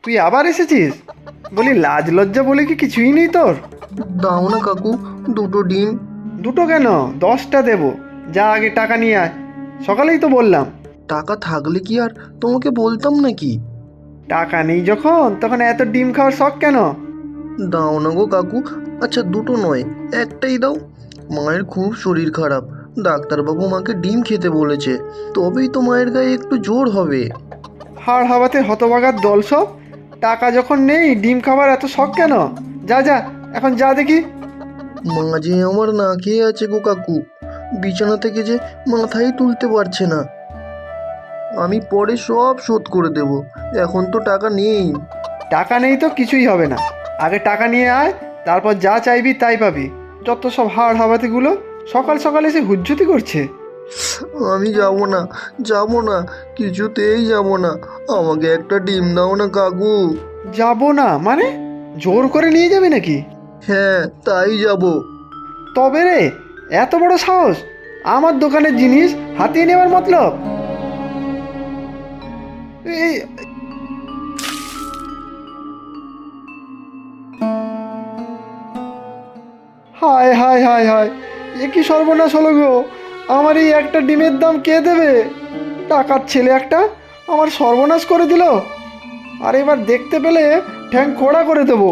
তুই আবার এসেছিস? বলি লাজ লজ্জা বলে কি কিছুই নেই তোর? দাও না কাকু, দুটো ডিম। দুটো কেন, 10টা দেবো। যা আগে টাকা নিয়ে আয়। সকালেই তো বললাম। টাকা থাকলে কি আর তোমাকে বলতাম নাকি? টাকা নেই যখন তখন এত ডিম খাওয়ার শখ কেন? দাও না গো কাকু। আচ্ছা দুটো নয়, একটাই দাও। মায়ের খুব শরীর খারাপ, ডাক্তারবাবু মাকে ডিম খেতে বলেছে, তবেই তো মায়ের গায়ে একটু জোর হবে। হাড় হাওয়াতে হতভাগার দল সব। টাকা যখন নেই ডিম খাবার এত শখ কেন? যা যা, এখন যা দেখি। মা যে আমার না খেয়ে আছে গো কাকু, বিছানা থেকে যে মাথাই তুলতে পারছে না। আমি পরে সব শোধ করে দেব, এখন তো টাকা নেই। টাকা নেই তো কিছুই হবে না। আগে টাকা নিয়ে আয়, তারপর যা চাইবি তাই পাবি। যত সব হাড় হাওয়াতিগুলো সকাল সকাল এসে হুজ্জুতি করছে। আমি যাব না, যাব না, কিছুতেই যাব না। আমাকে একটা ডিম দাও না কাকু। যাবো না মানে? জোর করে নিয়ে যাবি নাকি? হ্যাঁ, তাই যাব। তবে রে, এত বড় সাহস আমার দোকানের জিনিস হাতিয়ে নেওয়ার মতলব? এই, হায় হায় হায় হায়, এ কি সর্বনাশ হলো গো! আমার এই একটা ডিমের দাম কে দেবে? টাকার ছেলে একটা আমার সর্বনাশ করে দিল। আর এবার দেখতে পেলে ঠ্যাং খোড়া করে দেবো।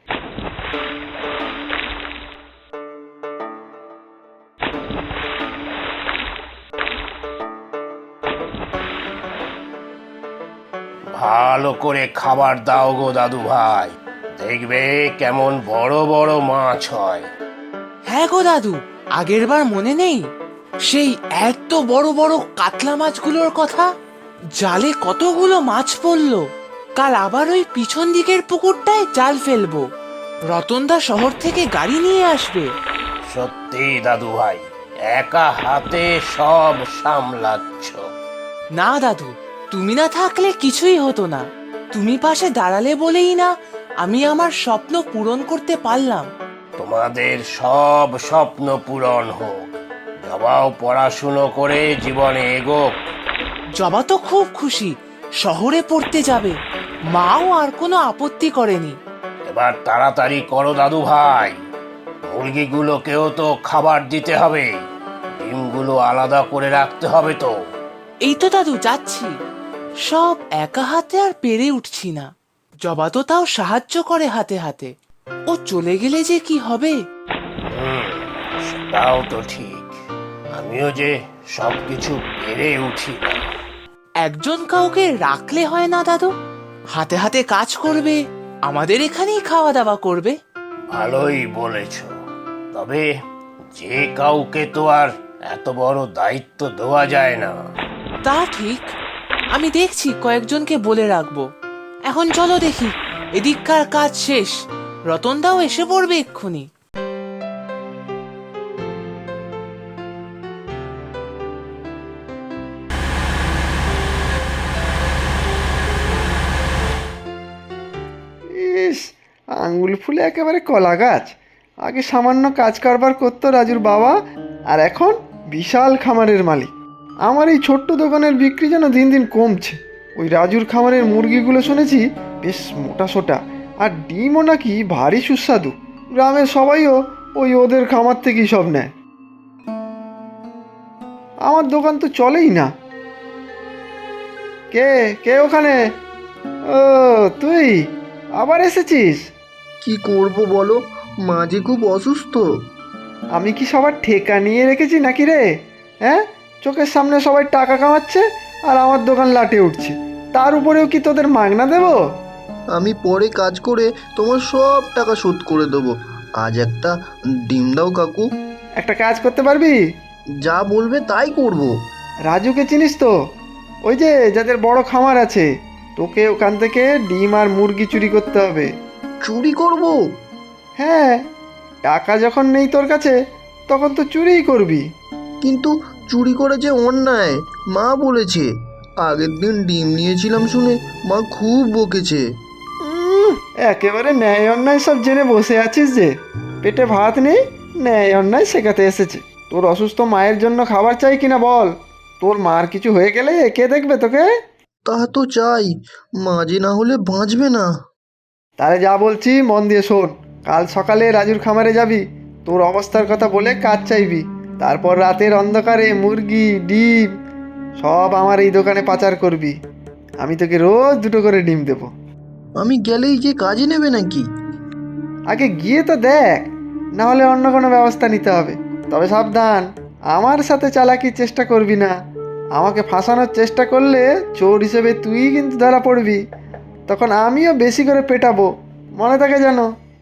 ভালো করে খাবার দাও গো দাদু ভাই, দেখবে কেমন বড় বড় মাছ হয়। হ্যাঁ গো দাদু, আগের বার মনে নেই সেই এত বড় বড় কাতলা মাছগুলোর কথা? জালে কতগুলো মাছ পড়লো। কাল আবার ওই পিছন দিকের পুকুরটায় জাল ফেলবো। রতনদা শহর থেকে গাড়ি নিয়ে আসবে। সত্যি দাদু ভাই, একা হাতে সব সামলাচ্ছ। না দাদু, তুমি না থাকলে কিছুই হতো না। তুমি পাশে দাঁড়ালে বলেই না আমি আমার স্বপ্ন পূরণ করতে পারলাম। তোমাদের সব স্বপ্ন পূরণ হোক। জবাও পড়াশুনো করে জীবনে এগোক। জবা তো খুব খুশি, শহরে পড়তে যাবে। মাও আর কোনো আপত্তি করেনি। এবার তাড়াতাড়ি করো দাদু ভাই, মুরগিগুলোকেও তো খাবার দিতে হবে, ডিমগুলো আলাদা করে রাখতে হবে তো। এই তো দাদু যাচ্ছি। সব একা হাতে আর পেরে উঠছি না। জবা তো তাও সাহায্য করে হাতে হাতে। ও চলে গেলে যে কি হবে। সেটাও তো ঠিক, আমিও যে সবকিছু পেরে উঠি না। একজন কাউকে রাখলে হয় না দাদু? হাতে হাতে কাজ করবে, আমাদের এখানেই খাওয়া দাওয়া করবে। ভালোই বলেছ, তবে যে কাউকে তো আর এত বড় দায়িত্ব দেওয়া যায় না। তা ঠিক, আমি দেখছি কয়েকজনকে বলে রাখবো। এখন চলো দেখি, এদিককার কাজ শেষ। রতনদাও এসে পড়বে এক্ষুনি। ইস, আঙ্গুল ফুলে একেবারে কলা গাছ। আগে সামান্য কাজ কারবার করতো রাজুর বাবা, আর এখন বিশাল খামারের মালিক। আমার এই ছোট্ট দোকানের বিক্রি যেন দিন দিন কমছে। ওই রাজুর খামারের মুরগিগুলো শুনেছি বেশ মোটা সোটা, আর ডিমও নাকি ভারী সুস্বাদু। গ্রামের সবাইও ওই ওদের খামার থেকেই সব নেয়। আমার দোকান তো চলেই না। কে কে ওখানে? ও, তুই আবার এসেছিস? কি করব বলো, মা যে খুব অসুস্থ। আমি কি সবার ঠেকা নিয়ে রেখেছি নাকি রে? হ্যাঁ, চোখের সামনে সবাই টাকা কামাচ্ছে আর আমার দোকান লাটে উঠছে। তার উপরেও কি তোদের মাগনা দেব? আমি পরে কাজ করে তোমার সব টাকা শোধ করে দেবো। আজ একটা ডিম দাও কাকু। একটা কাজ করতে পারবি? যা বলবে তাই করব। রাজুকে চিনিস তো? ওই যে যাদের বড় খামার আছে। তোকে ওখান থেকে ডিম আর মুরগি চুরি করতে হবে। চুরি করব? হ্যাঁ, টাকা যখন নেই তোর কাছে তখন তো চুরিই করবি। কিন্তু চুরি করে যে অন্যায়, মা বলেছে। আগের দিন ডিম নিয়েছিলাম শুনে মা খুব বকেছে। উম, একেবারে ন্যায় অন্যায় সব জেনে বসে আছিস যে। পেটে ভাত নেই, ন্যায় অন্যায় শেখাতে এসেছে। তোর অসুস্থ মায়ের জন্য খাবার চাই কিনা বল? তোর মার কিছু হয়ে গেলে কে দেখবে তোকে? তা তো চাই, মাঝে না হলে বাঁচবে না। তাহলে যা বলছি মন দিয়ে শোন। কাল সকালে রাজুর খামারে যাবি, তোর অবস্থার কথা বলে কাজ চাইবি। তারপর রাতের অন্ধকারে মুরগি ডিম সব আমার এই দোকানে পাচার করবি। আমি তোকে রোজ 2টো করে ডিম দেবো। আমি গেলেই যে কাজে নেবে নাকি? আগে গিয়ে তো দেখ, না হলে অন্য কোনো ব্যবস্থা নিতে হবে। তবে সাবধান, আমার সাথে চালাকির চেষ্টা করবি না। আমাকে ফাঁসানোর চেষ্টা করলে চোর হিসেবে তুই কিন্তু ধরা পড়বি। তখন আমিও বেশি করে পেটাবো, মনে থাকে যেন।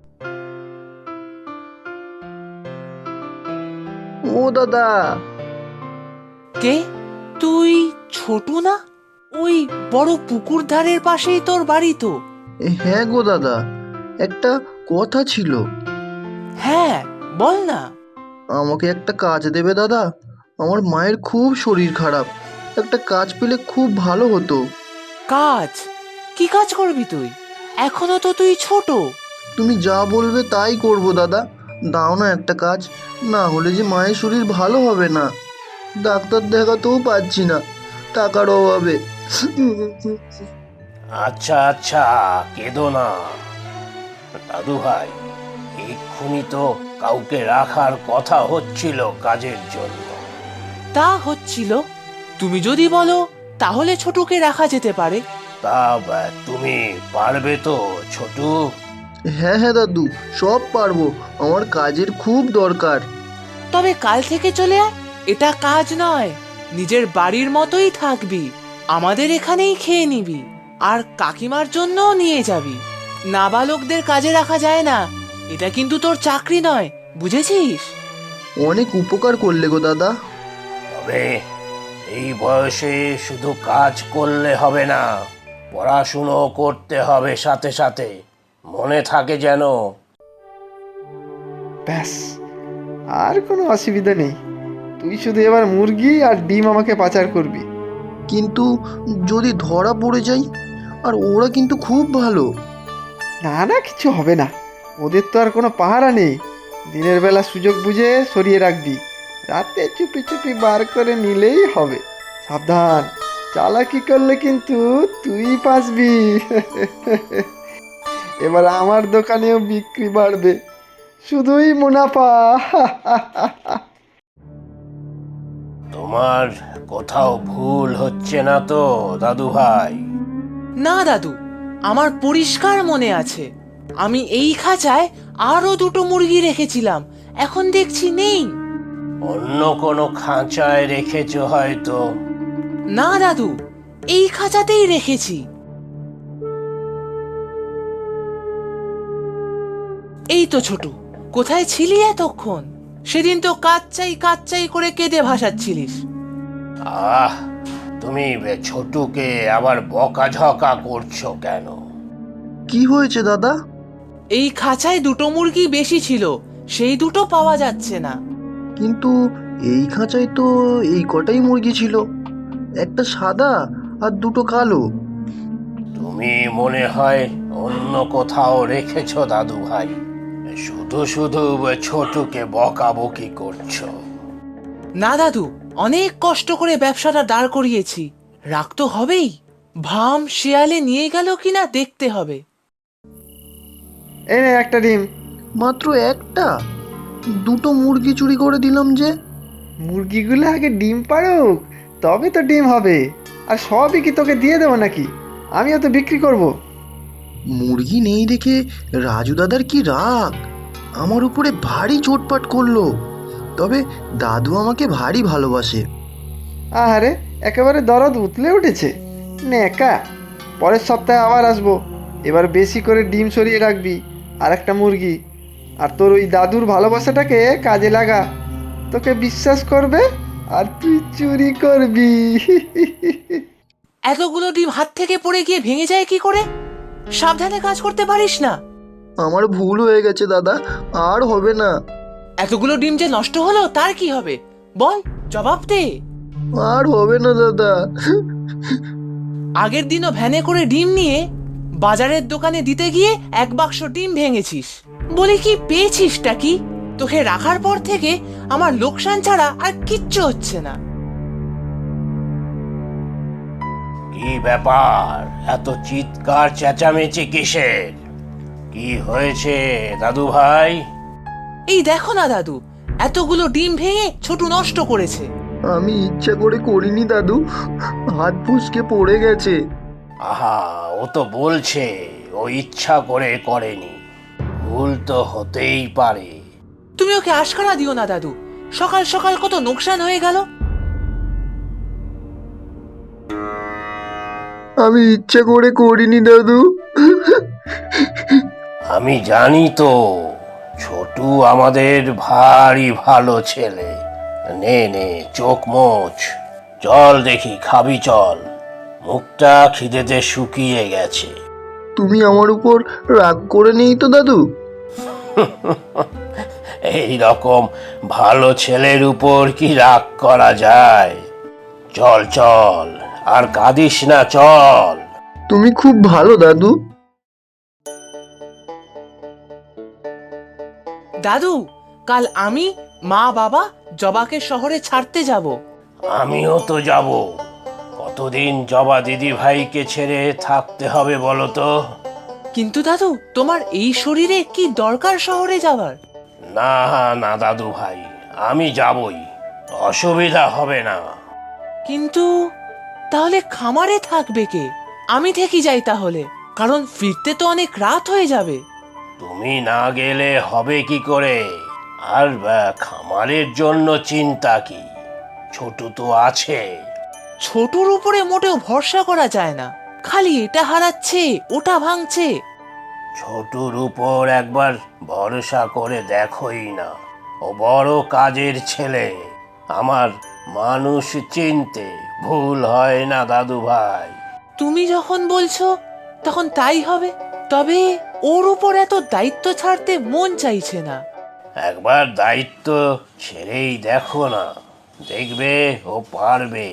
ও দাদা, কে তুই? ছোটু না? ওই বড় পুকুর ধারের পাশেই তোর বাড়ি তো? হ্যাঁ গো দাদা, একটা কথা ছিল। হ্যাঁ, বল না। আমাকে একটা কাজ দেবে দাদা? আমার মায়ের খুব শরীর খারাপ, একটা কাজ পেলে খুব ভালো হতো। কাজ? কি কাজ করবি তুই? এখনো তো তুই ছোট। তুমি যা বলবে তাই করব দাদা। দাও না একটা কাজ, না হলে যে মায়ের শরীর ভালো হবে না। ডাক্তার দেখাতেও পাচ্ছি না টাকার অভাবে। আচ্ছা আচ্ছা, কেঁদো না দাদু ভাই। এক্ষুনি তো কাউকে রাখার কথা হচ্ছিল কাজের জন্য। তা হচ্ছিল? তুমি যদি বলো তাহলে ছোটুকে রাখা যেতে পারে। তা তুমি পারবে তো ছোটু? হ্যাঁ হ্যাঁ দাদু, সব পারবো, আমার কাজের খুব দরকার। তবে কাল থেকে চলে আয়। এটা কাজ নয়, নিজের বাড়ির মতোই থাকবি। আমাদের এখানেই খেয়ে নিবি, আর কাকিমার জন্যও নিয়ে যাবি। নাবালকদের কাজে রাখা যায় না, এটা কিন্তু তোর চাকরি নয়, বুঝেছিস? অনেক উপকার করলে গো দাদা। তবে এই বয়সে শুধু কাজ করলে হবে না, পড়াশুনো করতে হবে সাথে সাথে, মনে থাকে যেন। ব্যাস, আর কোনো অসুবিধা নেই। তুই শুধু এবার মুরগি আর ডিম আমাকে পাচার করবি। কিন্তু যদি ধরা পড়ে যাই, আর ওরা কিন্তু খুব ভালো। না না, কিছু হবে না। ওদের তো আর কোনো পাহারা নেই। দিনের বেলা সুযোগ বুঝে সরিয়ে রাখবি, রাতে চুপি চুপি বার করে নিলেই হবে। সাবধান, চালাকি করলে কিন্তু তুই বাঁচবি। এবার আমার দোকানেও বিক্রি বাড়বে, শুধুই মুনাফা। তোমার কোথাও ভুল হচ্ছে না তো দাদু ভাই? না দাদু, আমার পরিষ্কার মনে আছে। আমি এই খাঁচায় আরো 2টো মুরগি রেখেছিলাম, এখন দেখছি নেই। অন্য কোনো খাঁচায় রেখেছো হয়তো। না দাদু, এই খাঁচাতেই রেখেছি। এই তো ছোটু, কোথায় ছিলি এতক্ষণ? সেদিন তো কাচ্চাই কাচ্চাই করে কেঁদে ভাসাচ্ছিলিস। আহ, তুমি ছোটুকে আবার বকাঝকা করছো কেন? কি হয়েছে দাদা? এই খাঁচায় 2টো মুরগি বেশি ছিল, সেই 2টো পাওয়া যাচ্ছে না। কিন্তু এই খাঁচায় তো এই কটাই মুরগি ছিল, একটা সাদা আর দুটো কালো। তুমি মনে হয় অন্য কোথাও রেখেছো দাদু ভাই, শুধু শুধু ছোটুকে বকাবকি করছো। না দাদু, অনেক কষ্ট করে ব্যবসাটা দাঁড় করিয়েছি, রাগ তো হবেই। ভাম শেয়ালে নিয়ে গেল কিনা দেখতে হবে। এই নে একটা ডিম। মাত্র একটা? দুটো মুরগি চুরি করে দিলাম যে। মুরগিগুলো আগে ডিম পাড়ুক, তবে তো ডিম হবে। আর সবই কি তোকে দিয়ে দেবো নাকি? আমিও তো বিক্রি করব। মুরগি নেই দেখে রাজু দাদার কি রাগ, আমার উপরে ভারী চোটপাট করলো। তবে দাদু আমাকে ভারী ভালোবাসে। আহারে, একেবারে দরদ উতলে উঠেছে। নেকা, পরের সপ্তাহে আবার আসবো। এবার বেশি করে ডিম সরিয়ে রাখবি, আর একটা মুরগি। আর তোর ওই দাদুর ভালোবাসাটাকে কাজে লাগা। তোকে বিশ্বাস করবে আর তুই চুরি করবি। এতগুলো ডিম হাত থেকে পড়ে গিয়ে ভেঙে যায় কি করে? সাবধানে কাজ করতে পারিস না? আমার ভুল হয়ে গেছে দাদা, আর হবে না। এতগুলো ডিম যে নষ্ট হলো তার কি হবে? বল, জবাব দে। আর হবে না দাদা। আগের দিনও ভ্যানে করে ডিম নিয়ে বাজারের দোকানে দিতে গিয়ে 1 বাক্স ডিম ভেঙেছিস। বলি কি পেয়েছিসটা কি? তোকে রাখার পর থেকে আমার লোকসান ছাড়া আর কিচ্ছু হচ্ছে না। কি কি ব্যাপার, এত চিৎকার চেঁচামেচি কিসের? কি হয়েছে দাদু ভাই? এই দেখো না দাদু, এতগুলো ডিম ভেঙে ছোটু নষ্ট করেছে। আমি ইচ্ছা করে করিনি দাদু, হাত ফুসকে পড়ে গেছে। আহা, ও তো বলছে ও ইচ্ছা করে করেনি, ভুল তো হতেই পারে। তুমি ওকে আশকারা দিও না দাদু, সকাল সকাল কত নোকসান হয়ে গেল। আমি ইচ্ছা করে করিনি দাদু। আমি জানি তো, ছোটু আমাদের ভারী ভালো ছেলে। নে নে, চোখ মোচ, চল দেখি খাবি চল, মুখটা খিদেতে শুকিয়ে গেছে। তুমি আমার উপর রাগ করে নেই তো দাদু? এই রকম ভালো ছেলের উপর কি রাগ করা যায়? চল চল, আর কাঁদিস না, চল। তুমি খুব ভালো দাদু। দাদু, কাল আমি, মা, বাবা জবাকে শহরে ছাড়তে যাব। আমিও তো যাব। কতদিন জবা দিদি ভাইকে ছেড়ে থাকতে হবে বলো তো? কিন্তু দাদু, তোমার এই শরীরে কি দরকার শহরে যাবার? না না দাদু ভাই, আমি যাবই, অসুবিধা হবে না। কিন্তু তাহলে খামারে থাকবে কে? আমি থেকে যাই তাহলে, কারণ ফিরতে তো অনেক রাত হয়ে যাবে। তুমি না গেলে হবে কি করে? আর খামারের জন্য চিন্তা কি, ছোটু তো আছে। ছোটুর উপরে মোটেও ভরসা করা যায় না, খালি এটা হারাচ্ছে ওটা ভাঙছে। ছোটুর উপর একবার ভরসা করে দেখোই না, ও বড় কাজের ছেলে। আমার মানুষ চিনতে ভুল হয় না দাদু ভাই। তুমি যখন বলছো তখন তাই হবে, তবে ওর উপর এত দায়িত্ব ছাড়তে মন চাইছে না। একবার দায়িত্ব ছেড়েই দেখো না, দেখবে ও পারবে।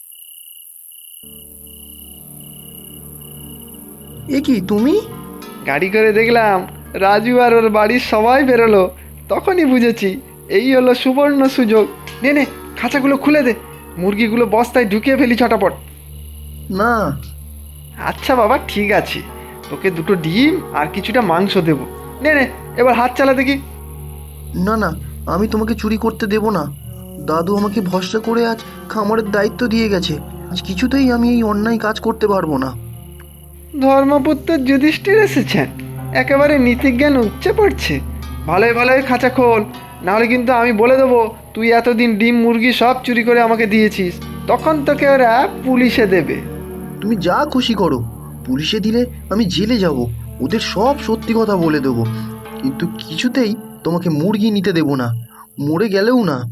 এ কি তুমি? গাড়ি করে দেখলাম রাজু আর ওর বাড়ির সবাই বেরোলো, তখনই বুঝেছি এই হলো সুবর্ণ সুযোগ। নে নে, খাঁচাগুলো খুলে দে, মুরগিগুলো বস্তায় ঢুকিয়ে ফেলি ছটাপট। না, আচ্ছা বাবা, ঠিক আছে, তোকে দুটো ডিম আর কিছুটা মাংস দেবো। নে নে, এবার হাত চালা দেখি। না না, আমি তোমাকে চুরি করতে দেব না। দাদু আমাকে ভরসা করে আজ খামারের দায়িত্ব দিয়ে গেছে। আজ কিছুতেই আমি এই অন্যায় কাজ করতে পারবো না। ধর্মপুত্র যুধিষ্ঠির এসেছেন, একেবারে নীতিজ্ঞান উপচে পড়ছে। ভালোই ভালোই খাঁচা খোল, নাহলে কিন্তু আমি বলে দেবো তুই এতদিন ডিম মুরগি সব চুরি করে আমাকে দিয়েছিস, তখন তোকে ওরা পুলিশে দেবে। তুমি যা খুশি করো, পুলিশে দিলে আমি জেলে যাব, ওদের সব সত্যি কথা বলে দেবো। কিন্তু কিছুতেই তোমাকে মুরগি নিতে দেব না, মরে গেলেও না।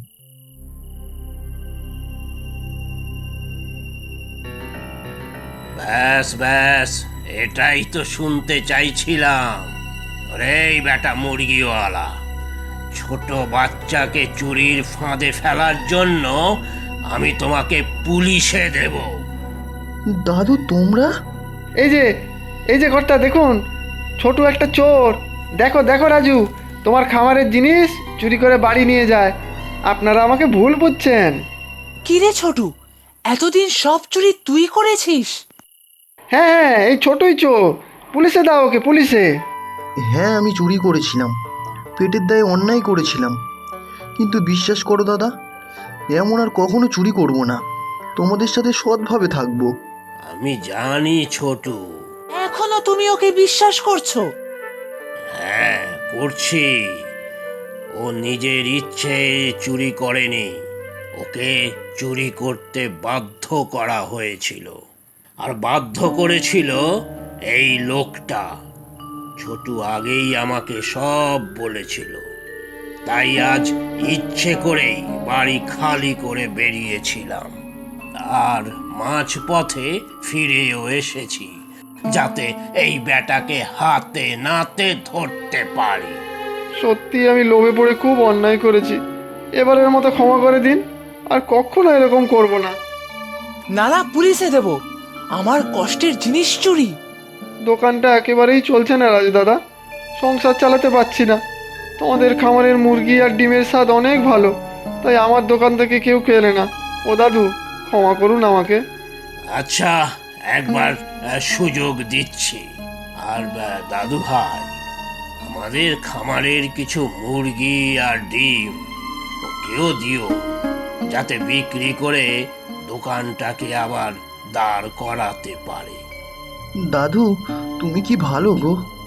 ব্যাস ব্যাস, এটাই তো শুনতে চাইছিলাম। রে বেটা মুরগিওয়ালা, ছোট বাচ্চাকে চুরির ফাঁদে ফেলার জন্য আমি তোমাকে পুলিশে দেব। দাদু তোমরা? এই যে, এই যে কর্তা দেখুন, ছোট একটা চোর। দেখো দেখো রাজু, তোমার খামারের জিনিস চুরি করে বাড়ি নিয়ে যায়। আপনারা আমাকে ভুল বুঝছেন। কিরে ছোটু, এতদিন সব চুরি তুই করেছিস? হ্যাঁ হ্যাঁ, এই ছোটই চোর, পুলিশে দাও ওকে, পুলিশে। হ্যাঁ, আমি চুরি করেছিলাম, পেটের দায়ে অন্যায় করেছিলাম। কিন্তু বিশ্বাস করো দাদা, এমন আর কখনো চুরি করব না। তোমাদের সাথে সৎভাবে থাকবো। আমি জানি ছোটু। এখনো তুমি ওকে বিশ্বাস করছো? হ্যাঁ, করছি। ও নিজের ইচ্ছে চুরি করেনি, ওকে চুরি করতে বাধ্য করা হয়েছিল। আর বাধ্য করেছিল এই লোকটা। ছোটু আগেই আমাকে সব বলেছিল, তাই আজ ইচ্ছে করেই বাড়ি খালি করে বেরিয়েছিলাম। আর মাঝপথে ফিরেও এসেছি, যাতে এই বেটাকে হাতে নাতে ধরতে পারি। সত্যি আমি লোভে পড়ে খুব অন্যায় করেছি, এবারের মতো ক্ষমা করে দিন, আর কখনো এরকম করব না। নালা পুলিশে দেব, আমার কষ্টের জিনিস চুরি। দোকানটা একেবারেই চলছে না রাজু দাদা, সংসার চালাতে পারছি না। তোমাদের খামারের মুরগি আর ডিমের স্বাদ অনেক ভালো, তাই আমার দোকান থেকে কেউ কেনে না। ও দাদু, ক্ষমা করুন আমাকে। আচ্ছা, একবার সুযোগ দিচ্ছি। আর দাদু ভাই, আমাদের খামারের কিছু মুরগি আর ডিম ওকেও দিও, যাতে বিক্রি করে দোকানটাকে আবার দাঁড় করাতে পারে। দাদু, তুমি কি ভালো গো।